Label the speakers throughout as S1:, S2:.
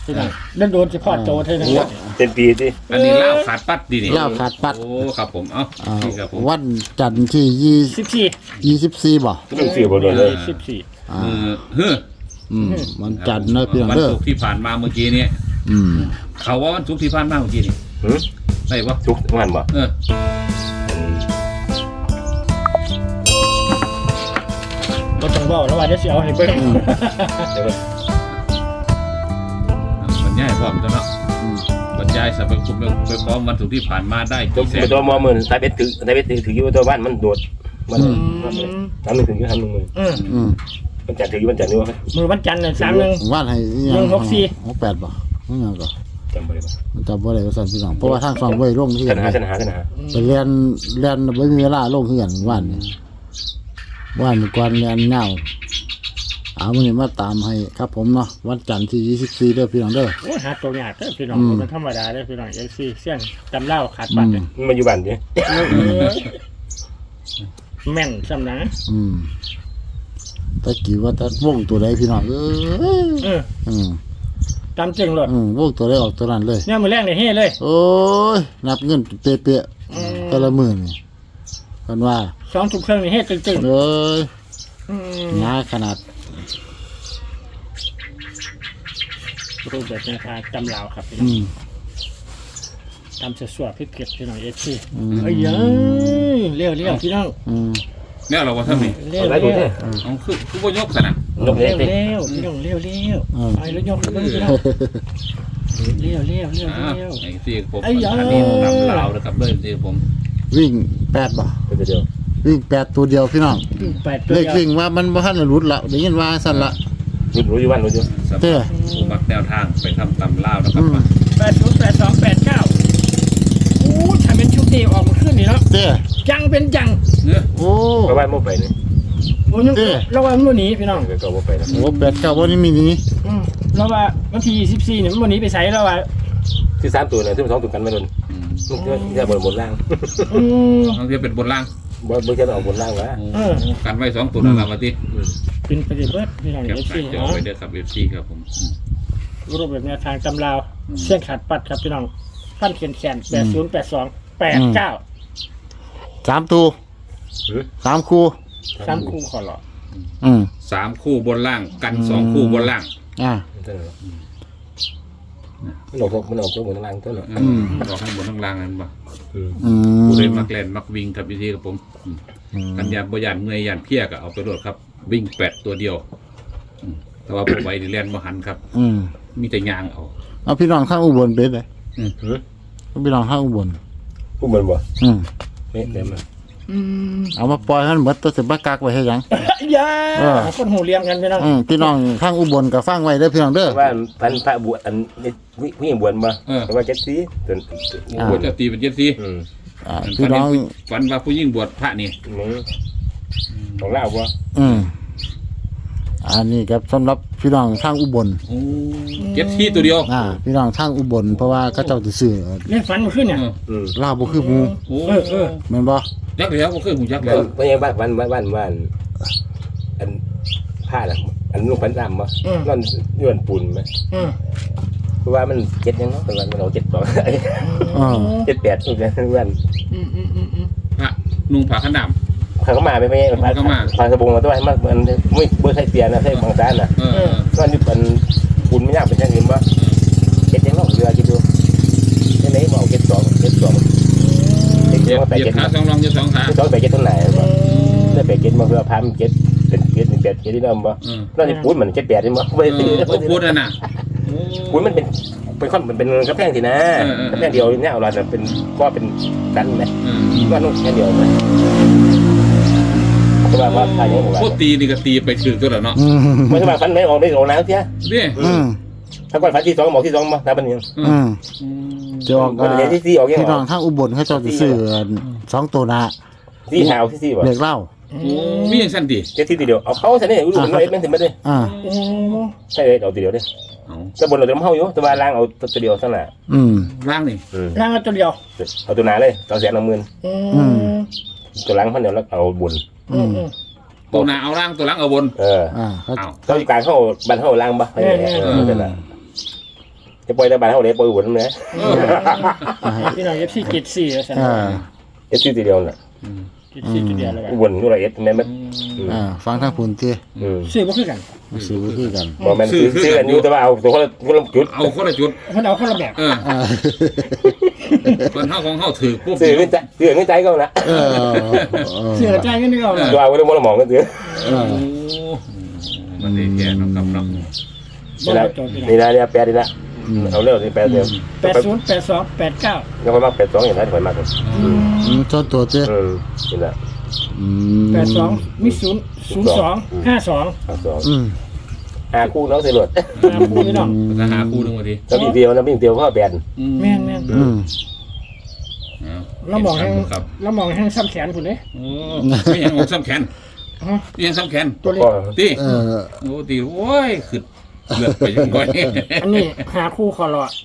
S1: พี่น้องเดินโดนเฉพาะโตเท่านั้น
S2: เต็มปีสิ
S3: อันนี้เล่าขาดปัดดีนี่
S4: เล่าขาดปัด
S3: โอ้ครับผมเอ้านี่ครับผม
S4: วันจันทร์ที่24บ่
S2: ต้องสื่อบนเลย
S4: อ่า
S3: เฮ้อ
S4: วันจันทร์นะพี่น้อง
S3: วัน
S4: เด้อ
S3: ศุกร์ที่ผ่านมาเมื่อกี้เนี่ย เขาว่าวันศุกร์ที่ผ่านมาเมื่อกี้นี่ได้ปะ
S2: ทุกวันบ่
S1: บ่ต้องบอกแล้วว่าจะเสียเอาให้เบิ่ง
S3: บรรยายพร้อมจ้ะเนาะบรรยายสรรพคุณไปพร้อมวันศุกร์ที่ผ่านมาได้
S2: ตัว
S3: กี่แสน
S2: ตัวมอมือตาเบ็ดถืออยู่ตัวบ้านมันโดดมันทำหนึ่งถึงอยู่ทำหนึ่งมือมันจัดถืออยู่มันจัดนี่วะ
S1: มือวันจันทร์น่ะ31
S4: วันให้อีหยัง68บ่มันยังก็
S2: จำบ่ได้บ่
S4: มันจำบ่ได้ว่าซั่นพี่น้องเพราะว่าทางช่องบ่ได้ลงที่
S2: ช
S4: กัน
S2: นะ
S4: ไปเรียนบ่มีเวลาลงคือกันวันนี้วันก่อนเรียนยาวมื้อนี้มาตามให้ครับผมเนาะวันจันทร์ที่24เด้อพี่น้องเด้อ
S1: โอ้หาตัวยากเด้อพี่น้องมันธรรมดาเด้อพี่น้อง FC เสี่ยงตำเล่าขาดปัดเด้อ
S2: มันอยู่บ้านดิ
S1: แม่นซำนะ
S4: ตะกี้ว่าจะวงตัวใดพี่น้อง
S1: ตามจริงเลยว
S4: งตัวใดออกตัวนั้นเลย
S1: เนี่ยมื้อแรกนี่เฮ้เลย
S4: โอ้ยนับเงินเป๊ะๆแต่ละมื้อนี่เพิ่นว่า
S1: 2 ทุ่มครึ่งนี่เฮ้ตึง
S4: เอ้ย
S1: ๆ
S4: หนาขนาด
S1: รูปแบบแนวทางตำลาวครับพี่น้องตำสวดๆเผ็ดๆพี่น้องเอฟซีเอ้ยเลี้ยวพี่น้อง
S3: เนี่ยเราว่าท่านนี่
S1: เลี้ยว
S2: อะไรดูเนี่ย
S3: เอาคือว่ายกขนาด
S2: นกเล็กดิ
S1: พี่น้องเลี้ยวไอ้รถยกขึ้นพี่น้องเลี้ยว
S3: ไอ้ที่ผมอันนี้นำลาวนะครับเลยที่ผม
S4: วิ่ง8บ่
S2: ตัวเดียว
S4: วิ่ง8ตัวเดียวพี่น้อง
S1: 8ตัว
S4: เลขวิ่งว่ามันบ่ทันได้หลุดละได้ยินว่าซั่นละ
S2: รู้อยู่บ้านรู้อยู่
S3: สำหรับผู้มักแนวทางไปทำตำลาวนะครับ
S1: 808289โอ้ถ้าเป็นชุดนี้ออกมาขึ้นนี่เนาะ
S4: เด้อ
S1: จังเป็นจัง
S3: เนี่ย
S4: โอ้
S2: เพราะว่าโมไปนี่
S1: โอ้ยเราว่ามันหนีพี่น้อง
S2: ก็โมไปนะ
S4: โห8 9บ่นี่มีนี้
S1: เราว่าวันที่24เนี่ยมันหนีไปใส่เราว่า
S2: ที่3ตัวเนี่ยที่2ตัวกันไม่โดนมันจะบนล่าง
S3: บางทีเป็นบนล่าง
S2: บ่จะออกบนล่างวะ
S3: กันไว้2ตัวนั่นแหละมาที่
S1: เป็นปฏิบัติพี่น้อง
S3: แคป
S1: เอฟ
S3: ห
S1: ซี
S3: น้าจอไว้เด้อครับ FC ครับผม
S1: รูปแบบแนวทางตำราวเส้นขาดปัดครับพี่น้องฟันแขน808289
S4: 3ตัว3คู่
S1: 3คู่ขอหรอ
S3: 3คู่บนล่างกัน2คู่บนล่าง
S2: มันออกบนล่างตัวเนาะ
S3: บอกให้บนทั้งล่างนั่นป่ะ
S4: อืม
S3: ผู้เล่นมักแลนมักวิ่งครับพี่ครับผมกันยานบ่ยานเมื่อยยานเพี้ยก็เอาไปโหลดครับวิ่ง8ตัวเดียวแต่ว่าผู้ไว้ที่แลนบ่หันครับมีแต่ยางเอา
S4: พี่น้องข้างอุบลเป็นไดพี่น้องข้างอุบล
S2: ผู้มันบ่ไม่เต็ม
S4: เอามาปล่อยให้มันหมดตัวสิบ่กักไว้เฮ็ดหยัง
S1: อย่าคนหูเลี้ยงกันพี่น้อง
S4: พี่น้องข้างอุบลก็ฟังไว้เด้อพี่น้องเด้อ
S2: ว่าพันพระบวชอันผู้หญิงบวชมาแต่ว่า7สีจน
S3: บวชจะตีเป็น7สี
S4: พี่น้อง
S3: ฝันว่าผู้ยิ่งบวชพระนี่
S2: ของลาวบ่
S4: อันนี้ครับสำหรับพี่น้องทางอุบล
S3: 7สีตัวเดียว
S4: พี่น้องทางอุบลเพราะว่าเขาเจ้าสิซื้อ
S1: เล่นฝันมาขึ้นเนี่ย
S4: ลาวบ่คือหมู่ แม่นบ่
S3: ยักษ์แล้วก็คือหูยักษ์แล้ว
S2: ไม่ใช่บ้านอันผ้าน่ะอันลูกพันดำบ่นั่นย้อนปูนมั้ยเพราะว่ามัน7ยังเนาะแต่ว่ามันเอา7 2 7 8นี่แหละเพื่อน
S3: พระนุ่งผ้าขนาม
S2: เขาก็มาไม่พาสบงมาด้วยมันไม่เบอร์ไทยเตียนนะไทยบางแสนน่ะก็นี่เป็นปูนไม่ยากเป็นอย่างอื่นบ่7ยังเนาะเรือคิดดูที่ไหนบ่เอา7 2 7 2
S3: เหยียบขา2รองอยู่2ขา
S2: 2ไป7ตรงไหนบ่ได้ไป7มาเพื่อพาม7เป็น7 1 8 7ที่นำบ่นั่นนี่ปูนมัน7 8นี่บ่บ่ได้ซื้อ
S3: พูดนั่นน่ะ
S2: ปูนมันเป็นค่อนเป็นกระแพงสินะกระแพงเดียวเนี่ยเอาล่ะเป็นก็เป็นดันนะก็นู่นแค่เดียวนะก็ว่าทางนี้บ่
S3: พูดตีนี่ก็ตีไปถึงตัวแล้วเนาะ
S2: ไม่ใช่ว่าฟันไหนออกได้ออกน้ำเสีย
S3: นี่
S2: ถ้าก่อนฟันที่2บอกที่2บ่ถ้าเป็นยัง
S4: จะออก
S2: ที่4ออกยัง
S4: พี่น้องทางอุบลเขาเจ้าสิซื้อ2ตัวหน้า
S2: ที่หาวที่4บ่
S4: เลขเล่า
S3: มีอย่างสั้นดิ
S2: เจ็ดที่ทีเดียวเอาเขาใช่นี่รู้มันเอ็ดมันถึงไม่ได้ใช่เลยเอาทีเดียวดิจะบนเราจะมาเฮาอยู่แต่ว่าล่างเอาตัวเดียวซะน่ะ
S3: ร่างนี่
S1: ร่างตัวเดียว
S2: เอาตัวหนาเลย210,000ตัวล่างพันเดียวแล้วเอาบน
S3: ตัวหน้าเอาร่างตัวหลังเอาบน
S2: เขาอยู่กลางเขาบันเขาล่างบ่นั่นแหละจะปล่อยแต่บ้านเฮาเลยปล่อยหุ่นนะ
S1: พี่น้องFCเกต4แล้วซั่น
S2: เอ็ดชื่อทีเดียวน่ะ
S1: เกต4ตัวเดียวแล้วกัน
S2: หุ่นอยู่ละเอ็ดแม่น
S4: ฟังทางพุ่นติ
S1: ซื้อบ่คือกัน
S4: ซื้อบ่คือกัน
S2: บ่แม่นซื้อกันอยู่แต่ว่าเอาตัวคนละจุด
S3: เอาคนละจุด
S1: เพิ่นเอาคนละแบบ
S3: ส่วนเฮาของเฮาถือปุ๊บ
S2: ซื้อเงินใจก็นะ
S1: ซื้อจ่ายเงินนี่ก็เอา
S2: ตัวเอาไว้บ่ละหมองกันซื้อ
S3: โอ้มันได้แค่เนาะครับเนาะ
S2: นี่นะเนี่ยแปดนี่ละเอาเร็วนี่แปดเดียว
S1: 80 82 89
S2: ยังค่อยมัก82อย่างนั้นค่อยมัก
S4: ชอบตัวติ
S2: นี่ละ
S1: 82มี0 02 52
S2: หาคู่น้องใส่รถ
S1: หาคู่พี่น้อง
S3: จะหาคู่นึงว่าที
S2: แล้วมีเดียวนะมีเดียวพ่อแบน
S1: แม่น
S3: แล้วมองครับ
S1: แล้วมองให้ซ้ำแขนพุ่นเด้
S3: โอ้ไม่ยังอกซ้ำแขนยังซ้ำแขน
S1: ตัวเล็ก
S3: ตีโอ้ตีโอ้ยคือเลือดไปยังไง
S1: อันนี้หาคู่คอรอ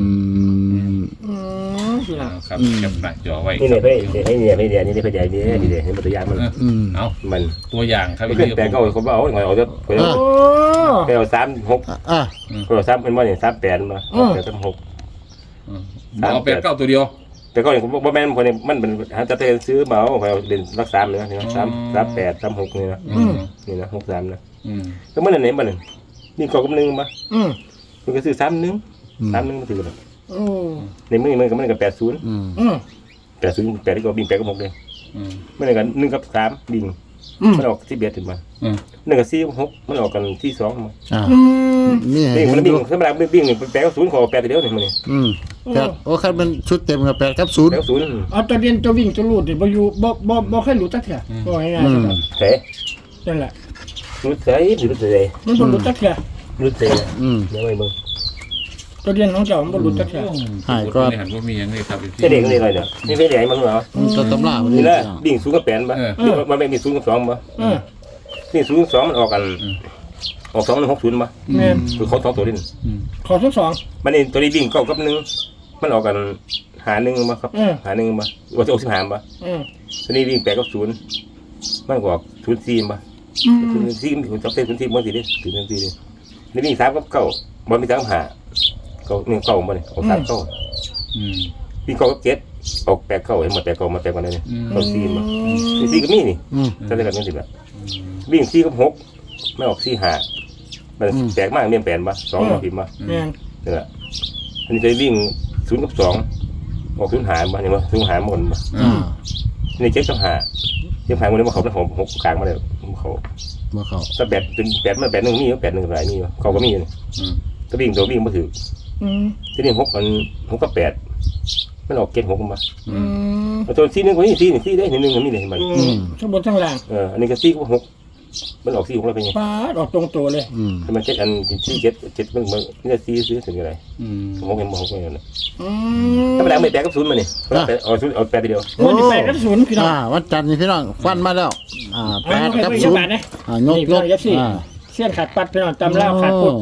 S1: พี่น้อง
S3: ครับแคปหน้าจอไว้
S2: นี่เนี่ยให้เนี่ยนี่เป็นใหญ่นี่นี่มันตัวอย่างมัน
S3: เอา
S2: มัน
S3: ตัวอย่างครับ
S2: ขึ้นแปดก็เขาเอาหน่อยเอาจะ
S1: โอ้
S2: ไปเอา36ก็เอา3เป็นว่าเนี่ย38มา36
S3: เอาแปดเก้าตัวเดียว
S2: แต่ก็อย่างบ่แม่นคนนี้มันเป็นจะไปซื้อมาเอาไปเล่นรัก3เลยนะ38 36นี่นะนี่นะ63นะก็มันไหนมันนี่ก็กำนึงมามันก็ซื้อ31มาถือเลยในมือมันก็มันก็80 80 8ก็บิง8ก็6เลยมันก็1กับ3บิงมันออก11ถึงมา1กับ4 6มันออกกันที่2มานี่มันบิงธรรมดาบิงนี่8กับ0ขอ8ทีเดียวนี่มันนี่
S4: โอ้คันเป็นชุดเต็มกับ8กับ0
S2: 8กับ0
S1: เอาตัวเรียนตัววิ่งตัวรูดบ่อยู่บ่เคยรู้จักเถื่อบ่ง่ายๆ
S2: เฮ้
S1: นั่นแหละ
S2: รู้ใจรู้ใจ
S1: มันบ่รู้จักเถื่อ
S2: รู้ใจเดี๋ยวไปมึง
S1: ตัวเรียนของเจ้ามันบ่รู้จักเถื่อ
S3: หายก็หันว่ามีอย่างนี้ครับ
S2: เด็กนี่เลยเนี่ยนี่เป็นใหญ่มั้งเหรอ
S4: ตัวตำราบ่
S2: นี่
S4: ได้
S2: แหละบิ่ง0กับ8ป่ะมันไม่มี0กับ2ป่ะนี่0กับ2มันออกกันออก2กับ60ป่ะ
S1: แม่น
S2: คือเขา2ตัวนี่
S1: ขอทั้งสอง
S2: มันนี่ตัวนี้บิ่ง9กับ1มันออกกันหา1ป่ะครับหา1ป่ะว่าจะ65ป่ะตัวนี้บิ่ง8กับ0มันก็ออก04ป่ะ04มันจะเป็น04มันสิดิถึง04ดินี่บิ่ง3กับ9บ่มี3 5ก็1 9บ่นี่ออก3 9บิ่ง9กับ7ออก8 9เห็นหมด8 9มา8กันได้นี่ก็4ป่ะ4ก็มีนี่จะได้กันจังซี่แบบวิ่ง4กับ6ไม่ออก4 5มันแปลกมากเรียนแปลนป่ะ2มาพิมพ์ป่ะ
S1: แม่น
S2: นี่แหละอันนี้จะวิ่ง0กับ2ออก0หารป่ะเห็นป่ะ0หารหมดป่ะนี่7กับ5เจ็บหายหมดเลยมาเขาแล้วผม6กลางมาเลยเขา
S4: บ่เข้า
S2: ถ้า8เป็น8มัน8 1มี8 1หลายมีเขาก็มีนี่ก็วิ่งตัววิ่งบ่ถือทีนี้6มัน6กับ8มันออก7 6ป่ะตัว4 1กว่านี่4นี่4ได้1ก็มีเลยเห็นป่ะ
S1: ทั้งบนทั้งล่าง
S2: อันนี้ก็4กับ6มันออก4 6แล้วเป็นไง
S1: ปาดออกตรงตัวเลย
S2: มัน7อัน4 7มันนี่จะ4ซื้อถึงอะไร6ยังบ่6เลยธรรมดาไม่8กับ0มานี่เอา8ทีเดียว
S1: วันที่8กับ0พี่น้อง
S4: วันจันทร์นี่พี่น้องฟันมาแล้ว8กับ0ยก
S1: เสี้ยนขาดปัดพี่น้องตำล่าขาดปุด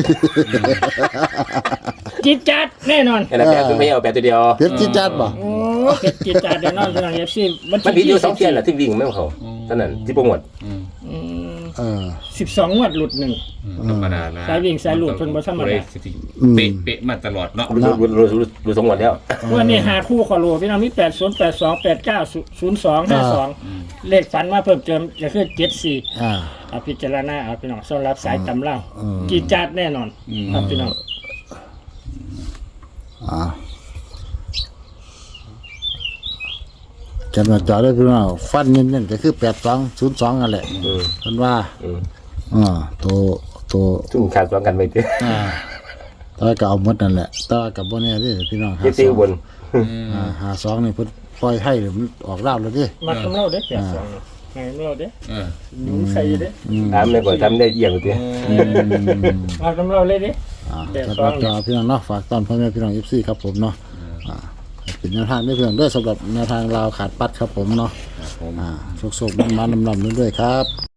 S1: จิตจัดแน่นอน
S2: อันนั้น8ไม่เอา8ทีเดียว
S4: เพชรจิจัดบ่
S1: โอ้เพชรจิตจัดแน่นอนพี่น้อง FC
S2: มันผิดอยู่2เที่ยนแหละที่วิ่งไม่เขาเท่านั้นที่โปรโมท
S1: 12งวดหลุด1
S3: ธรรมดานะ
S1: สายวิ่งสายหลุดเพิ่นบ่ธรรมดา
S3: เป๊ะมาตลอดเนาะ
S2: รู้2วันแล้ว
S1: วันนี้หาคู่ขอรู้พี่น้องมี80 82 89 02 52เลขฝันมาเพิ่มเติมก็คือ74เอาพิจารณาเอาพี่น้องสำหรับสายตำเล่ากี่จัดแน่นอนครับพี่น้อง
S4: จำนวนจอได้พี่น้องฟันเน้นๆก็คือ8202นั่นแหละเพิ่นว่าตัว
S2: ซึ่งขาด2กันไปติ
S4: แต่ก็เอาหมดนั่นแหละแต่ก็บ่แน่เด้พี่น้อง
S2: เจ็ดบน
S4: 52นี่เพิ่นปล่อยให้มันออกลาวแล้วเด้
S1: มาตำเล่าเด้82ไงเล่าเด้ยุ่งใส่เด้
S2: ตามได้ก่อนทำได้เยี่ยมติ
S1: มาตำเล่าเลยเด้
S4: สำหรับจอพี่น้องเนาะฝากตอนพ่อแม่พี่น้อง FC ครับผมเนาะเป็นแนวทางด้วยเพื่อนด้วยสำหรับแนวทางลาวขาดปัดครับผมเนาะโชคๆมันๆนำๆด้วยครับ